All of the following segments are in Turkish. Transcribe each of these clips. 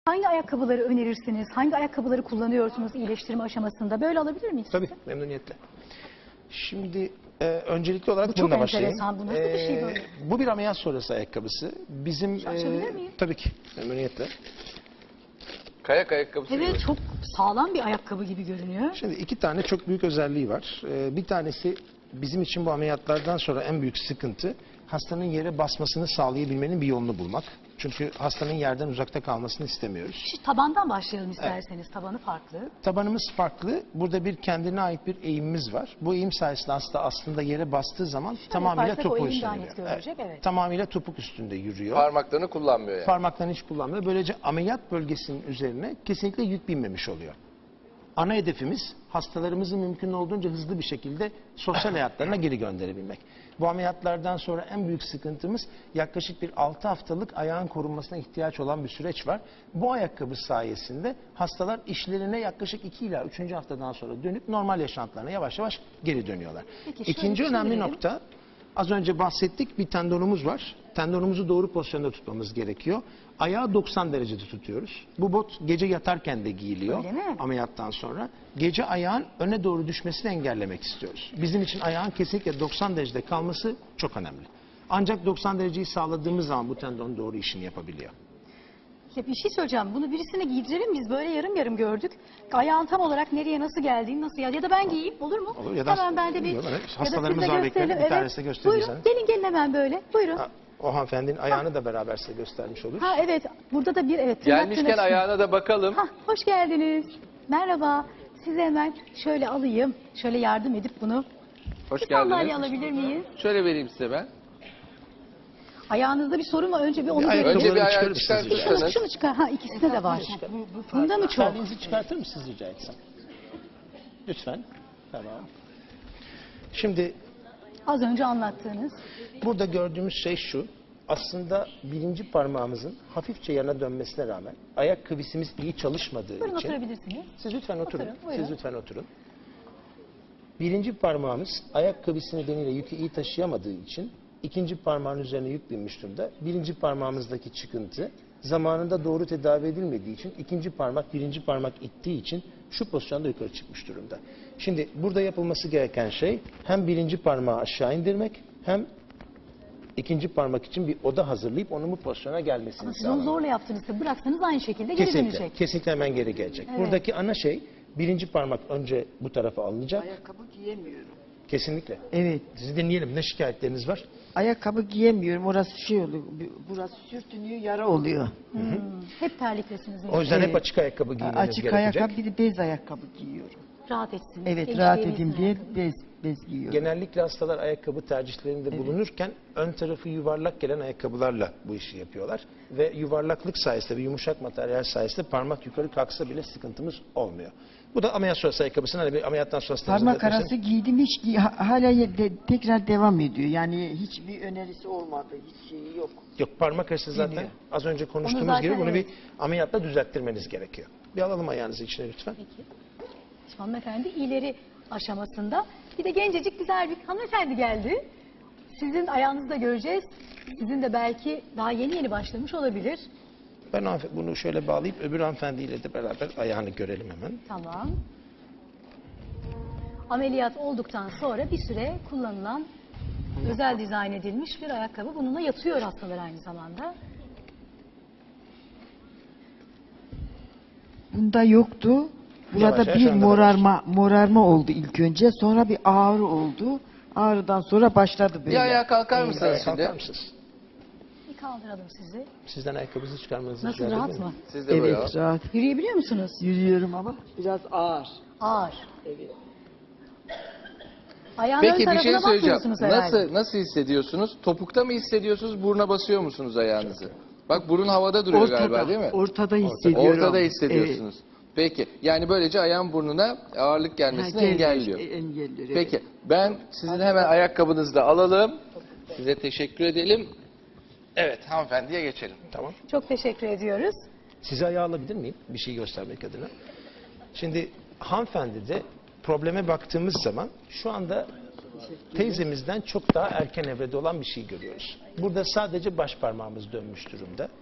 Hangi ayakkabıları önerirsiniz? Hangi ayakkabıları kullanıyorsunuz iyileştirme aşamasında? Böyle alabilir miyiz? Tabii, memnuniyetle. Şimdi öncelikli olarak Bu çok bununla başlayayım. enteresan. Bu nasıl bir şey böyle? Bu bir ameliyat sonrası ayakkabısı. Bizim Açabilir miyim? tabii ki memnuniyetle. Kayak ayakkabısı Evet, gibi. çok sağlam bir ayakkabı gibi görünüyor. Şimdi iki tane çok büyük özelliği var. Bir tanesi bizim için bu ameliyatlardan sonra en büyük sıkıntı hastanın yere basmasını sağlayabilmenin bir yolunu bulmak. Çünkü hastanın yerden uzakta kalmasını istemiyoruz. Şu tabandan başlayalım isterseniz. Tabanı farklı. Tabanımız farklı. Burada bir kendine ait bir eğimimiz var. Bu eğim sayesinde hasta aslında yere bastığı zaman tamamıyla yaparsak o topuğu eğim daha üstünde net yürüyor. görülecek, evet. Tamamıyla topuk üstünde yürüyor. Parmaklarını kullanmıyor yani. Parmaklarını hiç kullanmıyor. Böylece ameliyat bölgesinin üzerine kesinlikle yük binmemiş oluyor. Ana hedefimiz hastalarımızı mümkün olduğunca hızlı bir şekilde sosyal hayatlarına geri gönderebilmek. Bu ameliyatlardan sonra en büyük sıkıntımız yaklaşık bir 6 haftalık ayağın korunmasına ihtiyaç olan bir süreç var. Bu ayakkabı sayesinde hastalar işlerine yaklaşık 2 ila 3. haftadan sonra dönüp normal yaşantılarına yavaş yavaş geri dönüyorlar. Peki, şöyle İkinci önemli çevirelim. nokta, az önce bahsettik, bir tendonumuz var. Tendonumuzu doğru pozisyonda tutmamız gerekiyor. Ayağı 90 derecede tutuyoruz. Bu bot gece yatarken de giyiliyor Öyle mi? ameliyattan sonra. Gece ayağın öne doğru düşmesini engellemek istiyoruz. Bizim için ayağın kesinlikle 90 derecede kalması çok önemli. Ancak 90 dereceyi sağladığımız zaman bu tendon doğru işini yapabiliyor. Ya bir şey söyleyeceğim. Bunu birisine giydirelim, biz böyle yarım yarım gördük. Ayağın tam olarak nereye nasıl geldiğini nasıl ya da ben giyeyim olur mu? Olur ya da hemen ben de bir bilmiyorum, evet. ya da Hastalarımız siz de var, bekleyelim. gösterelim. Bir tanesi de gösterirseniz. Buyurun gelin hemen böyle. Buyurun. Ha, o hanımefendinin ayağını da beraber size göstermiş olur. Ha evet, burada da bir evet. tırnak Gelmişken tırnak- ayağına da bakalım. Hah, hoş geldiniz. Merhaba. Size hemen şöyle alayım. Şöyle yardım edip bunu. Hoş Bir sandalye geldiniz. alabilir miyiz? Şöyle vereyim size ben. Ayağınızda bir sorun var. Önce bir onu ayakkabı- görelim. Önce bir ayağı çıkarır mısınız rica çıkartırsanız. Şunu çıkar. Ha ikisinde de var. Bunda mı çok? Kendinizi çıkartır mısınız rica etsem? Lütfen. Tamam. Şimdi Az önce anlattığınız. burada gördüğümüz şey şu. Aslında birinci parmağımızın hafifçe yana dönmesine rağmen ayak kıvisimiz iyi çalışmadığı Buyurun için. oturabilirsiniz. Siz lütfen oturun. Oturun, buyurun. Siz lütfen oturun. Birinci parmağımız ayak kıvisi nedeniyle yükü iyi taşıyamadığı için ikinci parmağın üzerine yük binmiş durumda. Birinci parmağımızdaki çıkıntı zamanında doğru tedavi edilmediği için ikinci parmak birinci parmak ittiği için şu pozisyonda yukarı çıkmış durumda. Şimdi burada yapılması gereken şey hem birinci parmağı aşağı indirmek hem ikinci parmak için bir oda hazırlayıp onun bu pozisyona gelmesini Ama siz onu sağlamak. zorla yaptığınızda bıraksanız aynı şekilde geri Kesinlikle, dönecek. kesinlikle hemen geri gelecek. Evet. Buradaki ana şey birinci parmak önce bu tarafa alınacak. Ayakkabı giyemiyorum. Kesinlikle. Evet. Sizi dinleyelim. Ne şikayetleriniz var? Ayakkabı giyemiyorum. Orası şey oluyor. Burası sürtünüyor, yara oluyor. Hep terliklesiniz. O yüzden hep Evet. açık ayakkabı giymeniz Açık gerekecek. ayakkabı bir de bez ayakkabı giyiyorum. Rahat etsin. Evet, genç rahat diyebilsin edeyim diye ayakkabı. bez giyiyorum. Genellikle hastalar ayakkabı tercihlerinde bulunurken ön tarafı yuvarlak gelen ayakkabılarla bu işi yapıyorlar. Ve yuvarlaklık sayesinde ve yumuşak materyal sayesinde parmak yukarı kalksa bile sıkıntımız olmuyor. Bu da ameliyat sonrası ayakkabısının hani bir ameliyattan sonra hastamızın Parmak zaten- arası giydim hiç hala tekrar devam ediyor. Yani hiçbir önerisi olmadı. Hiç şeyi yok. Yok, parmak arası zaten Geliyor. az önce konuştuğumuz zaten gibi bunu evet. bir ameliyatla düzelttirmeniz gerekiyor. Bir alalım ayağınızı içine lütfen. Peki. Şimdi hanımefendi ileri aşamasında. Bir de gencecik güzel bir hanımefendi geldi. Sizin ayağınızı da göreceğiz. Sizin de belki daha yeni yeni başlamış olabilir. Ben bunu şöyle bağlayıp öbür hanımefendiyle de beraber ayağını görelim hemen. Tamam. Ameliyat olduktan sonra bir süre kullanılan özel dizayn edilmiş bir ayakkabı. Bununla yatıyor hastalar aynı zamanda. Bunda yoktu. Burada Yavaş yavaş bir anda da morarma oldu ilk önce. Sonra bir ağrı oldu. Ağrıdan sonra başladı böyle. Bir ayağa kalkar mısınız Ayağa şimdi? kalkar mısınız? Bir kaldıralım sizi. Sizden ayakkabınızı çıkarmanızı Nasıl, rica rahat edebilir mı? miyim? Siz de böyle Evet, al. rahat. Yürüyebiliyor musunuz? Yürüyorum ama biraz ağır. Ağır. Evet. Ayağın ön Peki bir tarafına şey söyleyeceğim. bakmıyorsunuz herhalde. Nasıl hissediyorsunuz? Topukta mı hissediyorsunuz? Buruna basıyor musunuz ayağınızı? Bak burun havada duruyor galiba değil mi? Ortada hissediyorum. Ortada hissediyorsunuz. Peki. Yani böylece ayağın burnuna ağırlık gelmesini engelliyor. Engelliyor. Evet. Peki. Ben sizin hemen ayakkabınızı da alalım. Size teşekkür edelim. Evet hanımefendiye geçelim. Tamam. Çok teşekkür ediyoruz. Sizi ayağa alabilir miyim? Bir şey göstermek adına. Şimdi hanımefendi de probleme baktığımız zaman şu anda teyzemizden çok daha erken evrede olan bir şey görüyoruz. Burada sadece baş parmağımız dönmüş durumda.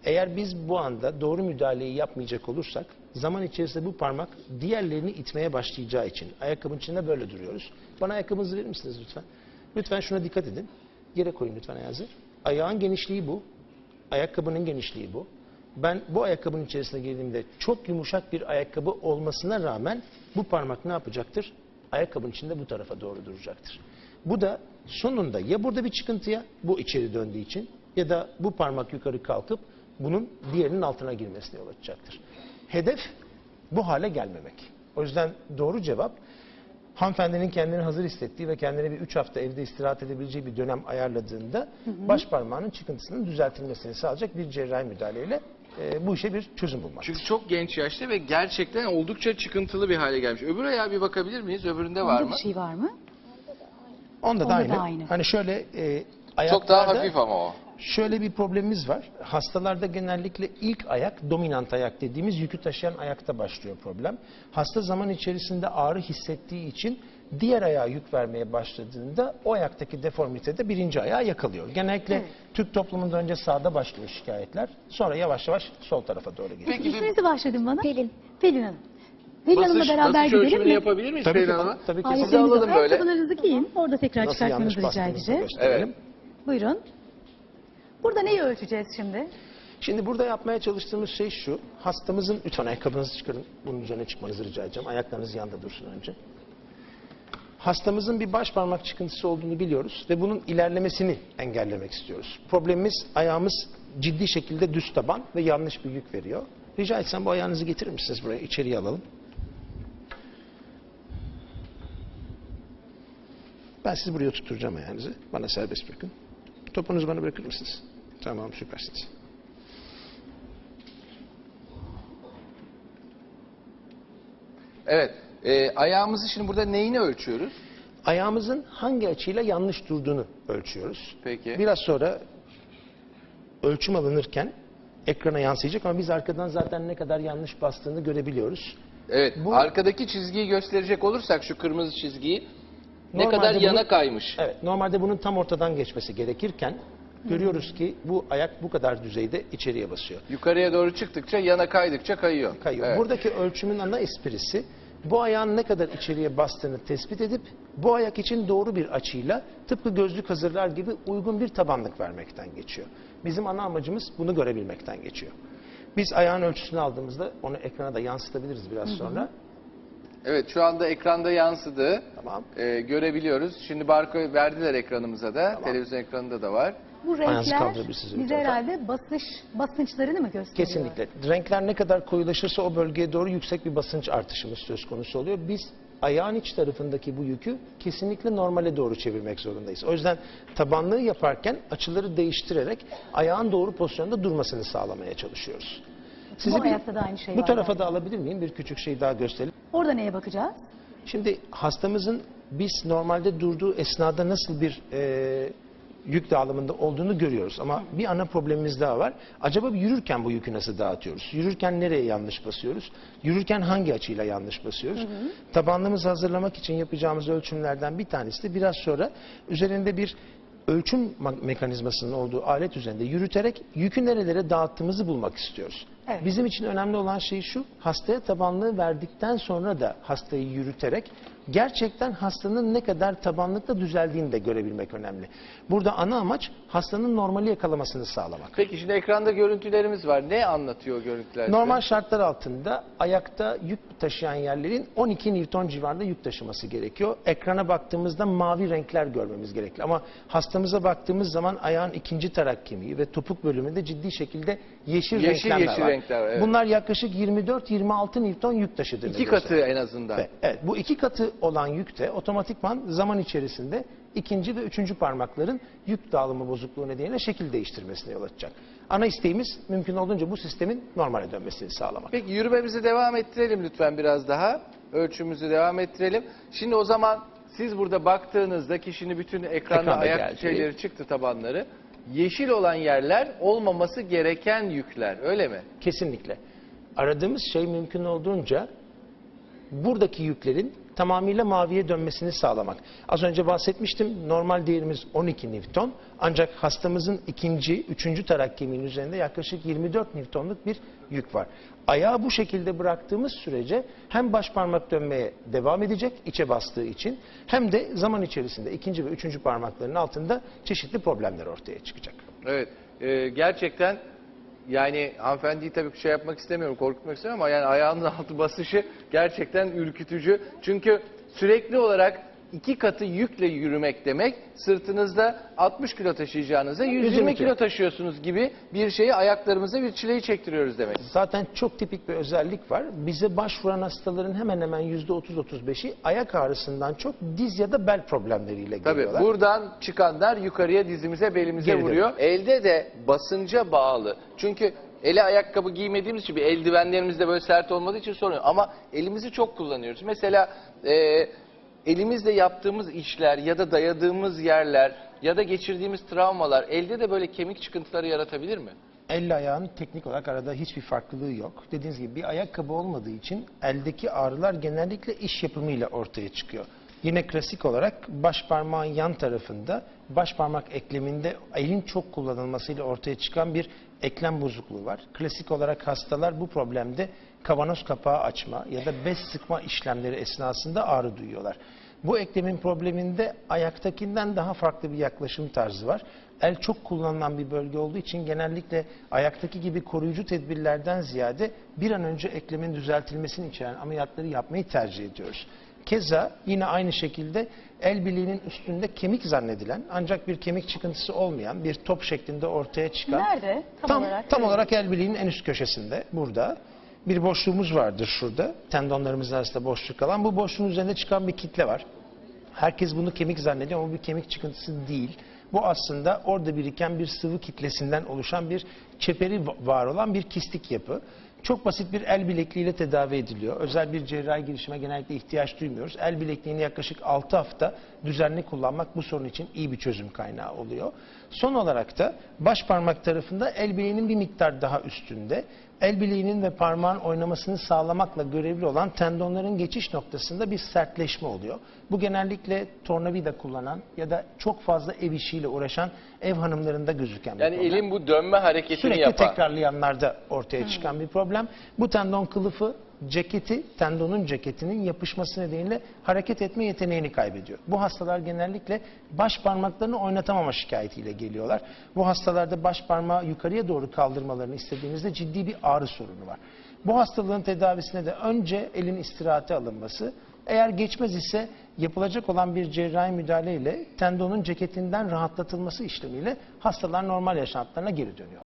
Eğer biz bu anda doğru müdahaleyi yapmayacak olursak zaman içerisinde bu parmak diğerlerini itmeye başlayacağı için ayakkabının içinde böyle duruyoruz. Bana ayakkabınızı verir misiniz lütfen? Lütfen şuna dikkat edin. Yere koyun lütfen ayağınızı. Ayağın genişliği bu. Ayakkabının genişliği bu. Ben bu ayakkabının içerisine girdiğimde çok yumuşak bir ayakkabı olmasına rağmen bu parmak ne yapacaktır? Ayakkabının içinde bu tarafa doğru duracaktır. Bu da sonunda ya burada bir çıkıntıya, bu içeri döndüğü için, ya da bu parmak yukarı kalkıp bunun diğerinin altına girmesine yol açacaktır. Hedef bu hale gelmemek. O yüzden doğru cevap, hanımefendinin kendini hazır hissettiği ve kendine bir 3 hafta evde istirahat edebileceği bir dönem ayarladığında baş parmağının çıkıntısının düzeltilmesini sağlayacak bir cerrahi müdahaleyle bu işe bir çözüm bulmak. Çünkü çok genç yaşta ve gerçekten oldukça çıkıntılı bir hale gelmiş. Öbür ayağa bir bakabilir miyiz? Öbüründe var Onda mı? bir şey var mı? Onda da Onda aynı. da aynı. Hani şöyle Çok daha ayaklarda hafif ama o. şöyle bir problemimiz var. Hastalarda genellikle ilk ayak, dominant ayak dediğimiz yükü taşıyan ayakta başlıyor problem. Hasta zaman içerisinde ağrı hissettiği için diğer ayağa yük vermeye başladığında o ayaktaki deformite de birinci ayağı yakalıyor. Genellikle Türk toplumunda önce sağda başlıyor şikayetler. Sonra yavaş yavaş sol tarafa doğru geçiyor. Peki bir İsminizi başladın bana. Pelin. Pelin Hanım. Pelin Hanım'la beraber basınç gidelim ölçümünü mi? yapabilir miyiz Tabii Pelin ki, Hanım'a? tabii ki. Aletlerinizi Sizi alalım var. böyle. Ayakkabılarınızı giyin. Orada tekrar Nasıl yanlış çıkartmanızı rica bastığınızı edeceğiz. gösterelim. Evet. Buyurun. Burada neyi ölçeceğiz şimdi? Şimdi burada yapmaya çalıştığımız şey şu. Hastamızın, lütfen ayakkabınızı çıkarın. Bunun üzerine çıkmanızı rica edeceğim. Ayaklarınız yanda dursun önce. Hastamızın bir baş parmak çıkıntısı olduğunu biliyoruz ve bunun ilerlemesini engellemek istiyoruz. Problemimiz, ayağımız ciddi şekilde düz taban ve yanlış bir yük veriyor. Rica etsem bu ayağınızı getirir misiniz buraya? İçeriye alalım. Ben sizi buraya tutturacağım ayağınızı. Bana serbest bırakın. Topunuzu bana bırakır mısınız? Tamam, süpersiniz. Evet. Ayağımızı şimdi burada neyini ölçüyoruz? Ayağımızın hangi açıyla yanlış durduğunu ölçüyoruz. Peki. Biraz sonra ölçüm alınırken ekrana yansıyacak ama biz arkadan zaten ne kadar yanlış bastığını görebiliyoruz. Evet. Bu- Arkadaki çizgiyi gösterecek olursak şu kırmızı çizgiyi ne Normalde kadar yana bunun- kaymış. Evet, normalde bunun tam ortadan geçmesi gerekirken görüyoruz ki bu ayak bu kadar düzeyde içeriye basıyor. Yukarıya doğru çıktıkça yana kaydıkça kayıyor. Kayıyor. Evet. Buradaki ölçümün ana esprisi bu ayağın ne kadar içeriye bastığını tespit edip bu ayak için doğru bir açıyla tıpkı gözlük hazırlar gibi uygun bir tabanlık vermekten geçiyor. Bizim ana amacımız bunu görebilmekten geçiyor. Biz ayağın ölçüsünü aldığımızda onu ekrana da yansıtabiliriz biraz sonra. Evet, şu anda ekranda yansıdı. Tamam. Görebiliyoruz. Şimdi barkod verdiler ekranımıza da. Televizyon ekranında da var. Bu Ayağınızı renkler kaldırabilirsiniz bize yukarıda. herhalde basınçlarını mı gösteriyor? Kesinlikle. Renkler ne kadar koyulaşırsa o bölgeye doğru yüksek bir basınç artışımız söz konusu oluyor. Biz ayağın iç tarafındaki bu yükü kesinlikle normale doğru çevirmek zorundayız. O yüzden tabanlığı yaparken açıları değiştirerek ayağın doğru pozisyonda durmasını sağlamaya çalışıyoruz. Bu ayakta da aynı şey bu var tarafa yani. da alabilir miyim? Bir küçük şey daha gösterelim. Orada neye bakacağız? Şimdi hastamızın biz normalde durduğu esnada nasıl bir yük dağılımında olduğunu görüyoruz. Ama bir ana problemimiz daha var. Acaba yürürken bu yükü nasıl dağıtıyoruz? Yürürken nereye yanlış basıyoruz? Yürürken hangi açıyla yanlış basıyoruz? Tabanlığımızı hazırlamak için yapacağımız ölçümlerden bir tanesi de biraz sonra üzerinde bir ölçüm mekanizmasının olduğu alet üzerinde yürüterek yükü nerelere dağıttığımızı bulmak istiyoruz. Evet. Bizim için önemli olan şey şu, hastaya tabanlığı verdikten sonra da hastayı yürüterek gerçekten hastanın ne kadar tabanlıkta düzeldiğini de görebilmek önemli. Burada ana amaç hastanın normali yakalamasını sağlamak. Peki şimdi ekranda görüntülerimiz var. Ne anlatıyor o görüntüler? size? Normal şartlar altında ayakta yük taşıyan yerlerin 12 Newton civarında yük taşıması gerekiyor. Ekrana baktığımızda mavi renkler görmemiz gerekli. Ama hastamıza baktığımız zaman ayağın ikinci tarak kemiği ve topuk bölümünde ciddi şekilde yeşil renkler var. renkler var, evet. Bunlar yaklaşık 24-26 Newton yük taşıdığını İki gösteriyor. katı en azından. Evet, bu iki katı olan yük de otomatikman zaman içerisinde ikinci ve üçüncü parmakların yük dağılımı bozukluğu nedeniyle şekil değiştirmesine yol açacak. Ana isteğimiz mümkün olduğunca bu sistemin normale dönmesini sağlamak. Peki yürümemizi devam ettirelim lütfen biraz daha. Ölçümümüzü devam ettirelim. Şimdi o zaman siz burada baktığınızda kişinin bütün ekranda Ekranda ayak geldi. şeyleri çıktı, tabanları. Yeşil olan yerler olmaması gereken yükler, öyle mi? Kesinlikle. Aradığımız şey mümkün olduğunca buradaki yüklerin tamamıyla maviye dönmesini sağlamak. Az önce bahsetmiştim, normal değerimiz 12 Newton. Ancak hastamızın üçüncü tarak kemiğinin üzerinde yaklaşık 24 Newton'luk bir yük var. Ayağı bu şekilde bıraktığımız sürece hem baş parmak dönmeye devam edecek içe bastığı için, hem de zaman içerisinde ikinci ve üçüncü parmakların altında çeşitli problemler ortaya çıkacak. Evet, gerçekten yani hanımefendiyi tabii şey yapmak istemiyorum, korkutmak istemiyorum ama yani ayağının altı basışı gerçekten ürkütücü. Çünkü sürekli olarak 2 katı yükle yürümek demek, sırtınızda 60 kilo taşıyacağınıza 120 kilo taşıyorsunuz gibi bir şeyi, ayaklarımıza bir çileyi çektiriyoruz demek. Zaten çok tipik bir özellik var. Bize başvuran hastaların hemen hemen %30-35'i ayak ağrısından çok diz ya da bel problemleriyle geliyorlar. Tabii buradan çıkanlar yukarıya, dizimize, belimize Geride. vuruyor. Elde de basınca bağlı. Çünkü ele ayakkabı giymediğimiz için, bir eldivenlerimiz de böyle sert olmadığı için sorun yok. Ama elimizi çok kullanıyoruz. Mesela elimizle yaptığımız işler ya da dayadığımız yerler ya da geçirdiğimiz travmalar elde de böyle kemik çıkıntıları yaratabilir mi? Elle ayağın teknik olarak arada hiçbir farklılığı yok. Dediğiniz gibi bir ayakkabı olmadığı için eldeki ağrılar genellikle iş yapımıyla ortaya çıkıyor. Yine klasik olarak baş parmağın yan tarafında, baş parmak ekleminde elin çok kullanılmasıyla ortaya çıkan bir eklem bozukluğu var. Klasik olarak hastalar bu problemde kavanoz kapağı açma ya da bez sıkma işlemleri esnasında ağrı duyuyorlar. Bu eklemin probleminde ayaktakinden daha farklı bir yaklaşım tarzı var. El çok kullanılan bir bölge olduğu için genellikle ayaktaki gibi koruyucu tedbirlerden ziyade bir an önce eklemin düzeltilmesini içeren ameliyatları yapmayı tercih ediyoruz. Keza yine aynı şekilde el bileğinin üstünde kemik zannedilen ancak bir kemik çıkıntısı olmayan bir top şeklinde ortaya çıkan. Nerede? Tam olarak el bileğinin en üst köşesinde, burada. Bir boşluğumuz vardır şurada. Tendonlarımız arasında boşluk alan. Bu boşluğun üzerinde çıkan bir kitle var. Herkes bunu kemik zannediyor ama bu bir kemik çıkıntısı değil. Bu aslında orada biriken bir sıvı kitlesinden oluşan bir çeperi var olan bir kistik yapı. Çok basit bir el bilekliğiyle tedavi ediliyor. Özel bir cerrahi girişime genellikle ihtiyaç duymuyoruz. El bilekliğini yaklaşık 6 hafta düzenli kullanmak bu sorun için iyi bir çözüm kaynağı oluyor. Son olarak da baş parmak tarafında el bileğinin bir miktar daha üstünde, el bileğinin ve parmağın oynamasını sağlamakla görevli olan tendonların geçiş noktasında bir sertleşme oluyor. Bu genellikle tornavida kullanan ya da çok fazla ev işiyle uğraşan ev hanımlarında gözüken bir Yani problem. elin bu dönme hareketini Sürekli yapan. tekrarlayanlarda ortaya çıkan bir problem. Bu tendon kılıfı tendonun ceketinin yapışması nedeniyle hareket etme yeteneğini kaybediyor. Bu hastalar genellikle baş parmaklarını oynatamama şikayetiyle geliyorlar. Bu hastalarda baş parmağı yukarıya doğru kaldırmalarını istediğimizde ciddi bir ağrı sorunu var. Bu hastalığın tedavisine de önce elin istirahate alınması, eğer geçmez ise yapılacak olan bir cerrahi müdahale ile tendonun ceketinden rahatlatılması işlemiyle hastalar normal yaşantılarına geri dönüyor.